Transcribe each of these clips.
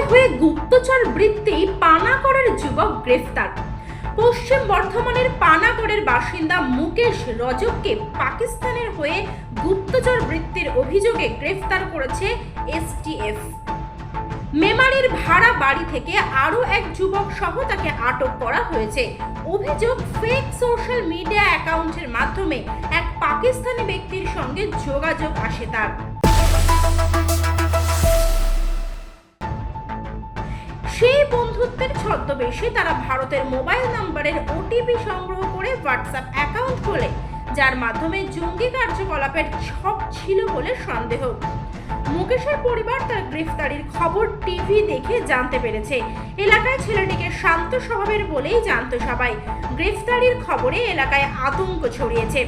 হয়ে গুপ্তচর বৃত্তি পানাগড়ের যুবক গ্রেফতার। পশ্চিম বর্ধমানের পানাগড়ের বাসিন্দা মুকেশ রজককে পাকিস্তানের হয়ে গুপ্তচর বৃত্তির অভিযোগে গ্রেফতার করেছে এসটিএফ। মেমারির ভাড়া বাড়ি থেকে আরও এক যুবক সহ তাকে আটক করা হয়েছে। অভিযোগ, ফেক সোশ্যাল মিডিয়া অ্যাকাউন্টের মাধ্যমে এক পাকিস্তানি ব্যক্তির সঙ্গে যোগাযোগ আসে তার। সেই বন্ধুত্বের ছদ্মবেশে তারা ভারতের মোবাইল নম্বরের ওটিপি সংগ্রহ করে হোয়াটসঅ্যাপ অ্যাকাউন্ট খোলে, যার মাধ্যমে জঙ্গি কার্যকলাপের ছক ছিল বলে সন্দেহ। মুকেশের পরিবার তার গ্রেফতারির খবর টিভি দেখে জানতে পেরেছে। এলাকায় ছেলেটিকে শান্ত স্বভাবের বলেই জানতো সবাই। গ্রেফতারির খবরে এলাকায় আতঙ্ক ছড়িয়েছে।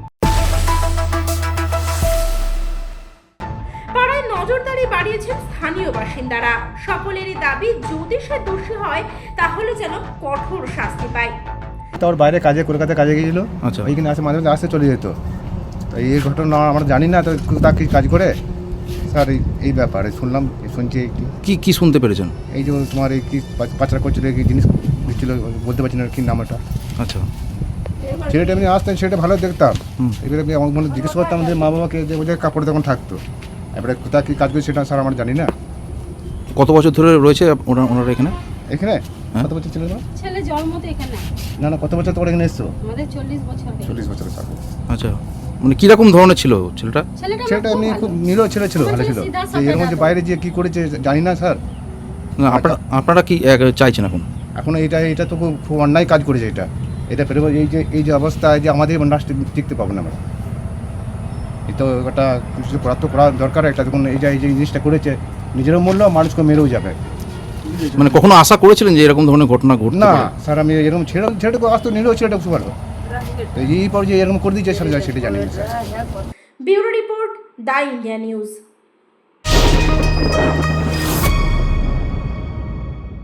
পাড়ায় নজরদারি বাড়িয়েছেন স্থানীয় বাসিন্দারা। সকলেরই দাবি, যদি সে দোষী হয় তাহলে যেন কঠোর শাস্তি পায়। তোর বাইরে কাজে, কলকাতায় কাজে গিয়েছিল। আচ্ছা। ওইখানে আসে, মাঝে মাঝে আসতে চলে যেত। তো এই ঘটনা আমরা জানি না, তো তা কি কাজ করে স্যার এই ব্যাপারে শুনছি। কি শুনতে পেরেছেন? এই যে তোমার এই কি পাচার করছিল, কি জিনিস দিচ্ছিল, বলতে পারছি না কি নামটা। আচ্ছা। ছেলেটা এমনি আসতেন, সেটা ভালো দেখতাম। এবারে আমি আমার মনে জিজ্ঞেস করতাম যে মা বাবাকে, যে ওদের কাপড় তখন থাকতো। এবারে কোথায় কী কাজ করে সেটা স্যার আমরা জানি না। কত বছর ধরে রয়েছে ওনারা এখানে? এখানে হ্যাঁ। কত বছর ছিল? ছেলে জন্ম তো এখানে। না, কত বছর তোমরা এখানে এসছো? আমাদের 40 বছর। 40 বছর স্যার। আচ্ছা, মানে কীরকম ধরনের ছিল ছেলেটা? ছেলেটা এমনি খুব নিরীহ ছেলে ছিল, ভালো ছিল। এরকম যে বাইরে যে কী করেছে জানি না স্যার। না, আপনারা কি চাইছেন এখন? এখন এটা তো খুব অন্যায় কাজ করেছে। এটা ফেরব, এই যে অবস্থা, যে আমাদের রাষ্ট্রে টিকতে পাবো না আমরা। এই তো একটা কিছু করা দরকার একটা। দেখুন এই যে জিনিসটা করেছে, নিজেরও মূল্য, মানুষকে মেরেও যাবে। মানে কখনো আশা করেছিলেন যে এরকম ধরনের ঘটনা ঘটবে না স্যার, আমি এরকম ছেলেটাকে আসতো, নিলেও ছেলেটা বুঝতে পারবো। তো এই পর যে এরকম করে দিয়েছে স্যার, সেটা জানি না sir. Bureau report, the India news.